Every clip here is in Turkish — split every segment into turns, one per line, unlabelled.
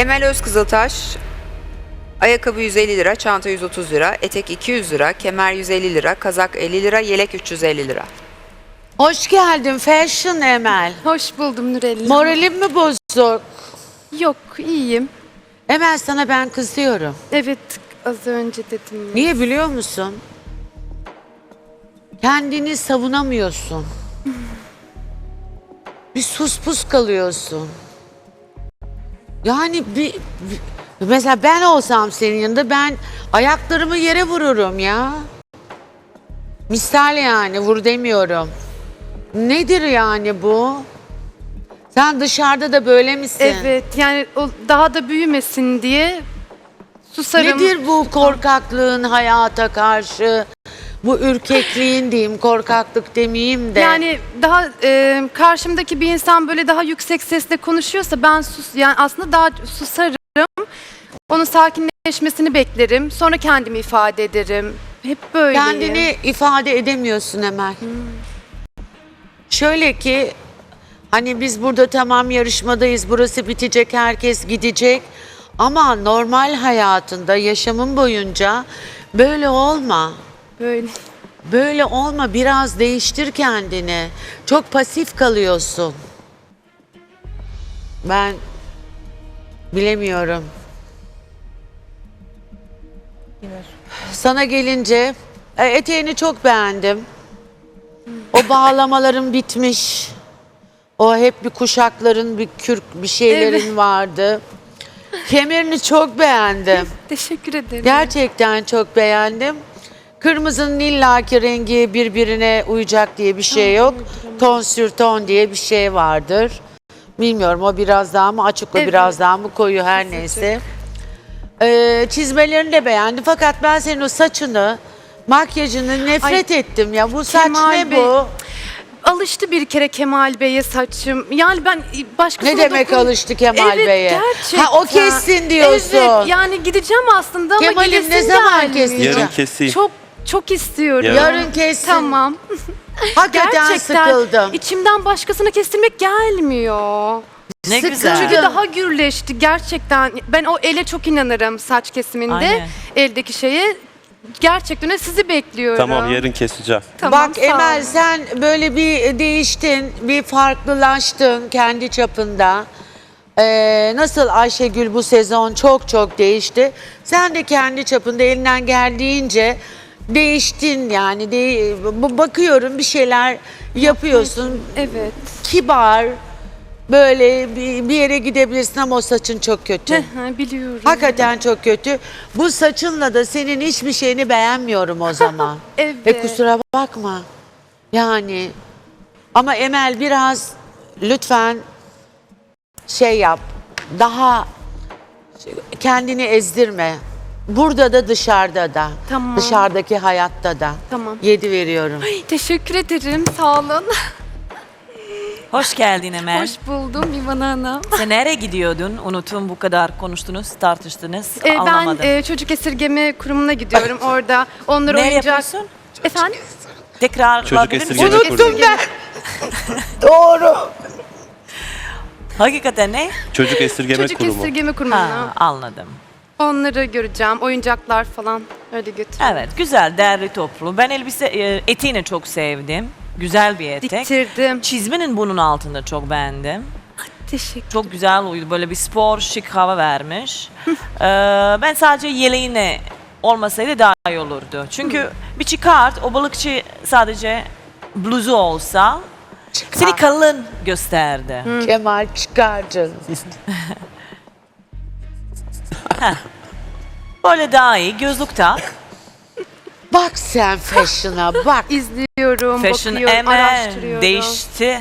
Emel Özkızıltaş, ayakkabı 150 lira, çanta 130 lira, etek 200 lira, kemer 150 lira, kazak 50 lira, yelek 350 lira.
Hoş geldin Fashion Emel.
Hoş buldum Nurelli.
Moralim mi bozuk?
Yok, iyiyim.
Emel sana ben kızıyorum.
Evet, az önce dedim.
Niye biliyor musun? Kendini savunamıyorsun. Bir sus pus kalıyorsun. Yani mesela ben olsam senin yanında ben ayaklarımı yere vururum ya. Misal yani vur demiyorum. Nedir yani bu? Sen dışarıda da böyle misin?
Evet, yani o daha da büyümesin diye susarım.
Nedir bu korkaklığın hayata karşı? Bu ürkekliğin diyeyim, korkaklık demeyeyim de.
Yani daha karşımdaki bir insan böyle daha yüksek sesle konuşuyorsa ben yani aslında daha susarım. Onun sakinleşmesini beklerim. Sonra kendimi ifade ederim. Hep böyle.
Kendini ifade edemiyorsun Emel. Şöyle ki hani biz burada tamam yarışmadayız, burası bitecek, herkes gidecek. Ama normal hayatında, yaşamın boyunca böyle olma.
Böyle.
Böyle olma, biraz değiştir kendini. Çok pasif kalıyorsun. Ben bilemiyorum. Sana gelince eteğini çok beğendim. O bağlamaların bitmiş. O hep bir kuşakların, bir kürk, bir şeylerin
Evet.
vardı. Kemerini çok beğendim.
Teşekkür ederim.
Gerçekten çok beğendim. Kırmızının illaki rengi birbirine uyacak diye bir şey yok. Ton sür ton diye bir şey vardır. Bilmiyorum o biraz daha mı açık, o
Evet.
biraz daha mı koyu, her neyse. Çizmelerini de beğendim fakat ben senin o saçını, makyajını nefret ettim ya. Bu saç
Kemal
ne
Bey,
bu?
Alıştı bir kere Kemal Bey'e saçım. Yani ben başkasına
Ne demek alıştı Kemal
Evet,
Bey'e?
gerçekten.
Ha o kessin diyorsun.
Evet, yani gideceğim aslında ama
Kemal'im
gidesim
ne zaman
gelmiyor.
keseceksin?
Yarın keseyim.
Çok istiyorum.
Yarın kessin.
Tamam.
Hakikaten
Gerçekten
sıkıldım.
içimden başkasına kestirmek gelmiyor.
Ne
Sıkıldım.
güzel.
Çünkü daha gürleşti gerçekten. Ben o ele çok inanırım saç kesiminde.
Aynen.
Eldeki şeye. Gerçekten öyle sizi bekliyorum.
Tamam yarın keseceğim.
Tamam,
Bak
sağ
Emel
olun.
sen böyle bir değiştin, bir farklılaştın kendi çapında. Nasıl Ayşegül bu sezon çok değişti. Sen de kendi çapında elinden geldiğince değiştin yani. Bakıyorum bir şeyler yapıyorsun.
Evet.
Kibar, böyle bir yere gidebilirsin ama o saçın çok kötü.
Biliyorum.
Hakikaten çok kötü. Bu saçınla da senin hiçbir şeyini beğenmiyorum o zaman.
Evet.
Kusura bakma. Yani ama Emel biraz lütfen şey yap. Daha kendini ezdirme. Burada da dışarıda da.
Tamam.
Dışarıdaki hayatta da.
Tamam.
7 veriyorum.
Teşekkür ederim. Sağ olun.
Hoş geldin Emel.
Hoş buldum İvan Hanım.
Sen nereye gidiyordun? Unuttum, bu kadar konuştunuz, tartıştınız.
Ben
Anlamadım.
çocuk esirgeme kurumuna gidiyorum. Orada onları
Nereye
oyuncak...
yapıyorsun?
Efendim?
Tekrar
Çocuk
alabilir misin?
esirgeme
Unuttum
kurumu.
ben. Doğru.
Hakikaten ne?
Çocuk esirgeme
Çocuk
kurumu.
esirgeme kurumuna.
Ha, anladım.
Onları göreceğim. Oyuncaklar falan öyle götür.
Evet, güzel, değerli toplu. Ben eteğini çok sevdim. Güzel bir etek.
Diktirdim.
Çizmenin bunun altında çok beğendim.
Teşekkür.
Çok güzel uydu. Böyle bir spor, şık hava vermiş. Ben sadece yeleğine olmasaydı daha iyi olurdu. Çünkü bir çıkart, o balıkçı sadece bluzu olsa seni kalın gösterdi.
Kemal çıkar canım.
Böyle daha iyi. Gözlük tak.
Bak sen fashion'a bak.
İzliyorum,
Fashion
bakıyorum,
Emel
araştırıyorum.
değişti.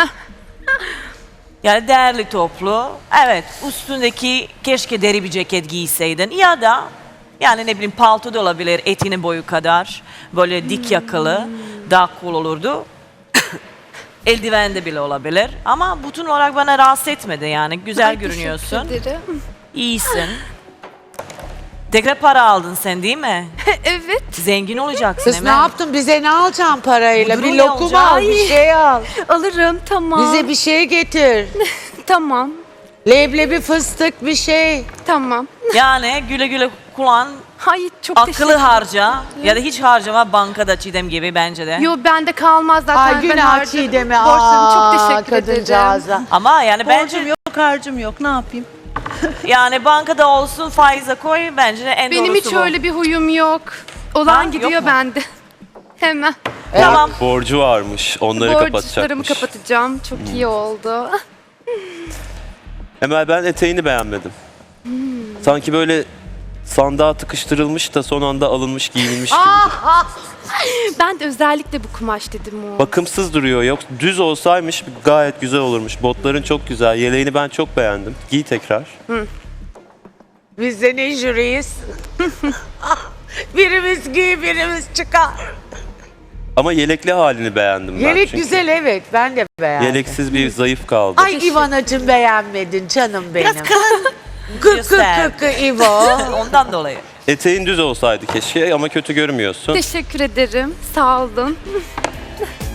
Yani değerli toplu. Evet, üstündeki keşke deri bir ceket giyseydin. Ya da yani ne bileyim palto da olabilir, etinin boyu kadar. Böyle dik yakalı. Daha cool olurdu. Eldiven de bile olabilir. Ama bütün olarak bana rahatsız etmedi yani. Güzel
Ay,
görünüyorsun.
Teşekkür ederim.
İyisin. Tekrar para aldın sen değil mi?
Evet.
Zengin olacaksın
Kız ne
Emel.
yaptın? Bize ne alacaksın parayla?
Bu
Bir
durum
lokum
ne
al,
olacak?
bir şey al.
Alırım tamam.
Bize bir şey getir.
Tamam.
Leblebi fıstık bir şey.
Tamam.
Yani güle güle kullan,
Hayır çok teşekkür
akıllı harca ya da hiç harcama bankada Çiğdem gibi bence de.
Yo bende kalmaz zaten.
Ay
ben
günah
harcadım.
Çiğdem'e.
Borçlarım, çok
Aa,
teşekkür ederim.
kadıncağıza.
Ama yani bence
Borcum yok, harcım yok. Ne yapayım?
yani bankada olsun faize koy bence de en
Benim
doğrusu
hiç
bu.
öyle bir huyum yok. Olan
Ha, yok
gidiyor
mu?
bende. Hemen.
Tamam.
Borcu varmış. Onları
Borçlarımı
kapatacakmış.
kapatacağım. Çok iyi oldu.
Emel ben eteğini beğenmedim. Sanki böyle sandığa tıkıştırılmış da son anda alınmış giyinilmiş gibi.
Ben de özellikle bu kumaş dedim o.
Bakımsız duruyor. Yok düz olsaymış gayet güzel olurmuş. Botların çok güzel. Yeleğini ben çok beğendim. Giy tekrar.
Biz de ne jüriyiz? Birimiz giy, birimiz çıkar.
Ama yelekli halini beğendim ben.
Yelek
çünkü.
güzel evet, ben de beğendim.
Yeleksiz bir zayıf kaldı.
Ay İvanacığım beğenmedin canım benim.
Biraz kalın.
Kıkı kıkı İvo.
Ondan dolayı.
Eteğin düz olsaydı keşke ama kötü görmüyorsun.
Teşekkür ederim. Sağ olun.